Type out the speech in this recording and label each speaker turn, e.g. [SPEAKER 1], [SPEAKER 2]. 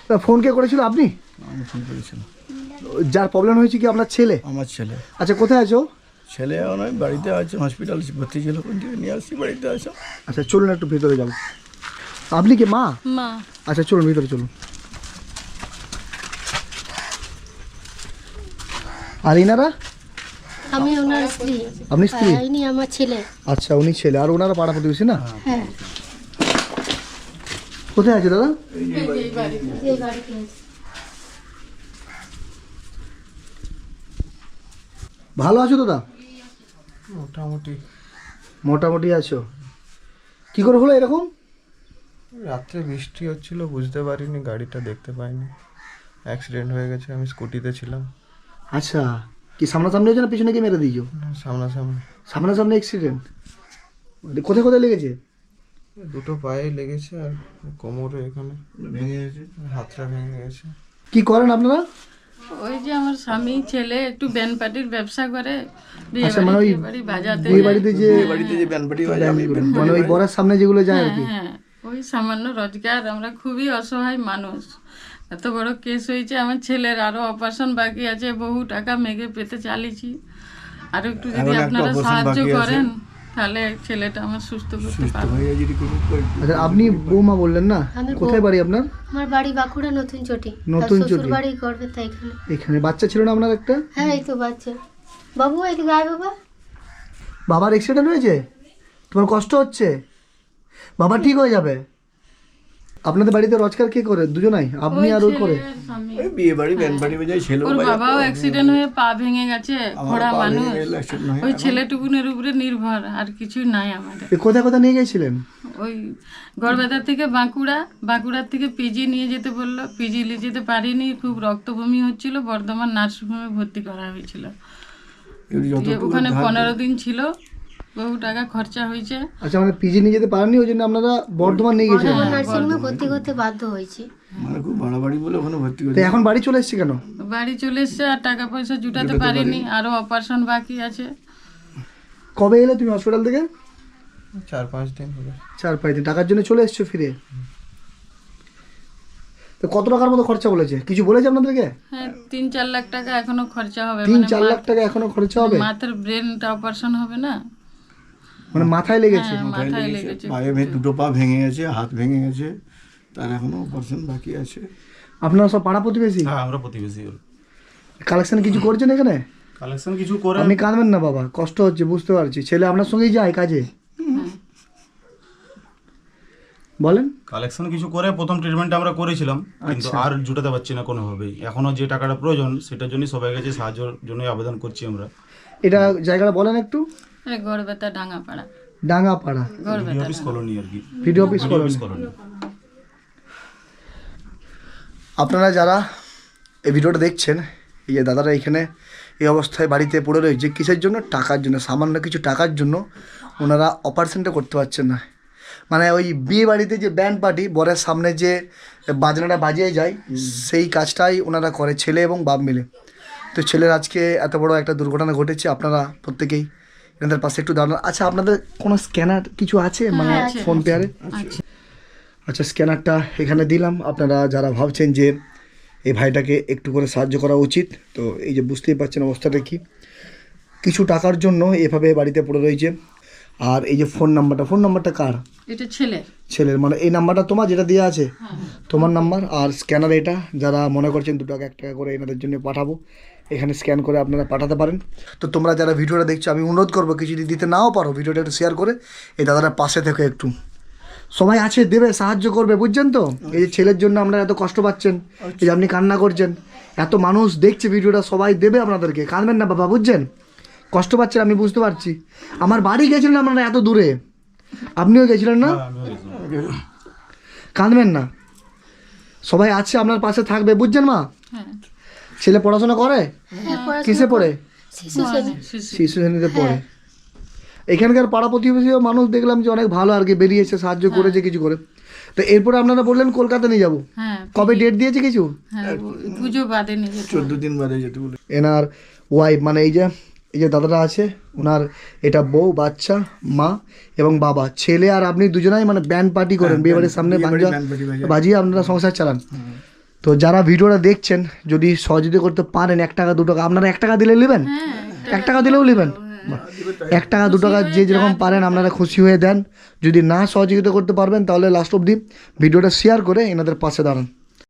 [SPEAKER 1] Phone কে করেছিল আপনি?
[SPEAKER 2] আমি ফোন করেছিলাম।
[SPEAKER 1] যার প্রবলেম হয়েছে কি আপনার ছেলে?
[SPEAKER 2] আমার ছেলে।
[SPEAKER 1] আচ্ছা, কোথায় আছো?
[SPEAKER 2] ছেলে নয়, বাড়িতে আছে, হসপিটাল ভর্তি ছিল, কোন থেকে নিয়ে আসছি, বাড়িতে আছে।
[SPEAKER 1] আচ্ছা চলুন একটু ভেতরে যাবো। আপনি কি মা?
[SPEAKER 3] মা।
[SPEAKER 1] আচ্ছা চলুন ভিতরে চলুন। আর ইনারা?
[SPEAKER 4] আমি ওনার স্ত্রী।
[SPEAKER 1] আপনি স্ত্রী?
[SPEAKER 4] ইনি আমার ছেলে।
[SPEAKER 1] আচ্ছা উনি ছেলে, আর ওনারা পাড়া প্রতিবেশী না?
[SPEAKER 4] হ্যাঁ।
[SPEAKER 1] কোথায় আছে দাদা?
[SPEAKER 4] এই বাড়িতে।
[SPEAKER 1] ভালো আছো দাদা?
[SPEAKER 2] মোটামুটি।
[SPEAKER 1] মোটামুটি আছো। কি করে হলো এরকম?
[SPEAKER 5] রাত্রে বৃষ্টি হচ্ছিল, বুঝতে পারিনি, গাড়িটা দেখতে পাইনি, অ্যাক্সিডেন্ট হয়ে গেছে। আমি স্কুটিতে ছিলাম।
[SPEAKER 1] আচ্ছা, কি সামনাসামনি হয়েছে না পিছনে কি মেরে দিয়েছো?
[SPEAKER 5] সামনাসামনি।
[SPEAKER 1] সামনাসামনি অ্যাক্সিডেন্ট? কোথায় কোথায় লেগেছে?
[SPEAKER 5] দুটো পায়ে লেগেছে আর কোমরে এখানে ভেঙে গেছে, হাতটা ভেঙে গেছে।
[SPEAKER 1] কি করেন আপনারা?
[SPEAKER 3] ওই যে আমার স্বামী ছেলে একটু ব্যান্ড পার্টির ব্যবসা করে,
[SPEAKER 1] আচ্ছা, মানে ওই
[SPEAKER 3] বিয়ে বাজাতে
[SPEAKER 1] বিয়ে বাড়িতে যে
[SPEAKER 2] বাড়িতে যে ব্যান্ডপাটি বাজে, আমি
[SPEAKER 1] মানে ওই বরের সামনে যেগুলো যায় আর কি।
[SPEAKER 3] হ্যাঁ, ওই সামান্য রোজগার। আমরা খুবই অসহায় মানুষ। এত বড় কেস হয়েছে, আমার ছেলের আরো অপারেশন বাকি আছে, বহু টাকা মেঘে পেতে চালিয়েছি। আর একটু যদি
[SPEAKER 2] এখন একটা
[SPEAKER 3] আপনারা
[SPEAKER 2] operation
[SPEAKER 3] সাহায্য
[SPEAKER 2] বাকি আছে।
[SPEAKER 3] করেন তাহলে ছেলেটা আমার সুস্থ করতে পারবো।
[SPEAKER 1] আচ্ছা, আপনি বৌমা বললেন না?
[SPEAKER 4] আমি
[SPEAKER 1] কোথায় বাড়ি আপনার?
[SPEAKER 4] আমার বাড়ি বাঁকুড়া নতুন চটি।
[SPEAKER 1] নতুন চটি।
[SPEAKER 4] শ্বশুর বাড়ি করবে তাই এখানে।
[SPEAKER 1] এখানে বাচ্চা ছিল না আপনার একটা?
[SPEAKER 4] হ্যাঁ, এই তো বাচ্চা। বাবু এদিকে আয় বাবা।
[SPEAKER 1] বাবার অ্যাক্সিডেন্ট হয়েছে? তোমার কষ্ট হচ্ছে? বাবা ঠিক হয়ে যাবে। আপনাদের বাড়িতে রোজগার কে করে? দুজনাই, আপনি আর ওই করে?
[SPEAKER 3] ছেলে আর স্বামী।
[SPEAKER 2] ওই বিয়ে বাড়ি ব্যান্ডপাটি বাজায়, ছেলে
[SPEAKER 3] ওর বাবাও অ্যাক্সিডেন্ট হয়ে পা ভেঙে গেছে, খোড়া মানুষ। ওই ছেলেটুকুনের উপরে নির্ভর, আর কিছু নাই আমাদের।
[SPEAKER 1] কোথায় কোথায় নিয়ে গেছিলেন?
[SPEAKER 3] ওই গড়বেতার থেকে বাঁকুড়া, বাঁকুড়ার থেকে পিজি নিয়ে যেতে বললো, পিজি নিয়ে যেতে পারিনি, খুব রক্তবমি হচ্ছিল, বর্ধমান নার্সিংহোমে ভর্তি করা হয়েছিল। দিয়ে ওখানে 15 দিন ছিল, বহু টাকা খরচা হয়েছে।
[SPEAKER 1] আচ্ছা, মানে পিজি নিয়ে যেতে পারেননি, ওই জন্য আপনারা বর্ধমান নিয়ে গেছিলেন?
[SPEAKER 4] নার্সিংহোমে ভর্তি করতে বাধ্য হয়েছি।
[SPEAKER 2] মানে খুব বাড়াবাড়ি বলে ওখানে ভর্তি
[SPEAKER 1] তো
[SPEAKER 2] করে।
[SPEAKER 1] এখন বাড়ি চলে এসেছি কেন?
[SPEAKER 3] বাড়ি চলে এসছে, আর টাকা পয়সা জুটাতে পারিনি, আরো অপারেশন বাকি আছে।
[SPEAKER 1] কবে এলে তুমি হসপিটাল থেকে?
[SPEAKER 5] 4-5 দিন হলো।
[SPEAKER 1] 4-5 দিন। টাকার জন্য চলে এসছো ফিরে? তো কত টাকার মতো খরচা বলেছে? কিছু বলেছে আপনাদেরকে?
[SPEAKER 3] হ্যাঁ, 3-4 লাখ টাকা এখনো খরচা হবে।
[SPEAKER 1] 3-4 লাখ টাকা এখনো খরচা হবে?
[SPEAKER 3] মাথার ব্রেনটা অপারেশন হবে না?
[SPEAKER 1] মানে মাথায় লেগেছে?
[SPEAKER 3] হ্যাঁ, মাথায় লেগেছে।
[SPEAKER 2] পায়ে দুটো পা ভেঙে গেছে, হাত ভেঙে গেছে, তার এখনো অপারেশন বাকি আছে।
[SPEAKER 1] আপনারা সব পাড়া প্রতিবেশী?
[SPEAKER 6] হ্যাঁ, আমরা প্রতিবেশী।
[SPEAKER 1] কালেকশন কিছু করছেন এখানে?
[SPEAKER 6] কালেকশন কিছু করে।
[SPEAKER 1] আপনি কাঁদবেন না বাবা, কষ্ট হচ্ছে বুঝতে পারছি। ছেলে আপনার সঙ্গেই যায় কাজে? বলেন।
[SPEAKER 6] কালেকশন কিছু করে প্রথম ট্রিটমেন্ট আমরা করেছিলাম, কিন্তু আর জুটাতে পারছি না কোনোভাবেই। এখনো যে টাকাটা প্রয়োজন সেটার জন্য সবাই কাছে সাহায্যের জন্য আবেদন করছি আমরা।
[SPEAKER 1] এটা জায়গাটা বলেন একটু।
[SPEAKER 3] Garhbeta Dangapara.
[SPEAKER 1] Dangapara
[SPEAKER 6] video office colony আর কি।
[SPEAKER 1] Video office colony. আপনারা যারা এই ভিডিওটা দেখছেন, এই যে দাদারা এখানে এই অবস্থায় বাড়িতে পড়ে রয়েছে, কিসের জন্য? টাকার জন্য। সামান্য কিছু টাকার জন্য ওনারা অপারেশনটা করতে পারছেন না। মানে ওই বিয়ে বাড়িতে যে ব্যান্ড পার্টি, বরের সামনে যে বাজনাটা বাজিয়ে যায়, সেই কাজটাই ওনারা করে, ছেলে এবং বাপ মিলে। তো ছেলের আজকে এত বড় একটা দুর্ঘটনা ঘটেছে। আপনারা প্রত্যেকেই এনাদের পাশে একটু দাঁড়ান। আচ্ছা, আপনাদের কোনো স্ক্যানার কিছু আছে মানে ফোন পেয়ারে? আচ্ছা, স্ক্যানারটা এখানে দিলাম। আপনারা যারা ভাবছেন যে এই ভাইটাকে একটু করে সাহায্য করা উচিত, তো এই যে বুঝতেই পারছেন অবস্থাটা কি। কিছু টাকার জন্য এভাবে বাড়িতে পড়ে রয়েছে। আর এই যে ফোন নাম্বারটা কার?
[SPEAKER 3] এটা
[SPEAKER 1] ছেলের। মানে এই নাম্বারটা তোমার, যেটা দেওয়া আছে তোমার নাম্বার। আর স্ক্যানার এটা, যারা মনে করছেন 2 টাকা 1 টাকা করে এনাদের জন্য পাঠাবো, এখানে স্ক্যান করে আপনারা পাঠাতে পারেন। তো তোমরা যারা ভিডিওটা দেখছো, আমি অনুরোধ করবো কিছু যদি দিতে নাও পারো, ভিডিওটা একটু শেয়ার করে এই দাদাটার পাশে থেকে একটু সবাই আছে দেবে, সাহায্য করবে, বুঝছেন তো? এই যে ছেলের জন্য আপনারা এত কষ্ট পাচ্ছেন, এই যে আপনি কান্না করছেন, এত মানুষ দেখছে ভিডিওটা, সবাই দেবে আপনাদেরকে। কাঁদবেন না বাবা, বুঝছেন? কষ্ট পাচ্ছেন আমি বুঝতে পারছি। আমার বাড়ি গেছিলেন আপনারা এত দূরে, আপনিও গেছিলেন না? কাঁদবেন না, সবাই আছে আপনার পাশে থাকবে, বুঝছেন মা? ছেলে পড়াশোনা করে? কিসে পড়ে? শিশু শ্রেণীতে পড়ে। এখানকার পাড়া প্রতিবেশী মানুষ দেখলাম যে অনেক ভালো আর কি, বেরিয়েছে, সাহায্য করেছে কিছু করে। তো এরপরে আপনারা বললেন কলকাতা নিয়ে যাবো, কবে ডেট দিয়েছে কিছু?
[SPEAKER 3] পুজো বাদে নিয়ে
[SPEAKER 2] 14 দিন বাদে যেতে বলে।
[SPEAKER 1] এনার ওয়াইফ, মানে এই যে দাদাটা আছে ওনার, এটা বউ, বাচ্চা, মা এবং বাবা, ছেলে আর আপনি দুজনাই মানে ব্যান্ড পার্টি করেন, বিয়ে বাড়ির সামনে বাজিয়ে আপনারা সংসার চালান। তো তো যারা ভিডিওটা দেখছেন যদি সহযোগিতা করতে পারেন 1 টাকা 2 টাকা, আপনারা 1 টাকা দিলে নেবেন, 1 টাকা দিলেও নেবেন, 1 টাকা 2 টাকা যে যেরকম পারেন আপনারা খুশি হয়ে দেন। যদি না সহযোগিতা করতে পারবেন তাহলে লাস্ট অবধি ভিডিওটা শেয়ার করে এনাদের পাশে দাঁড়ান।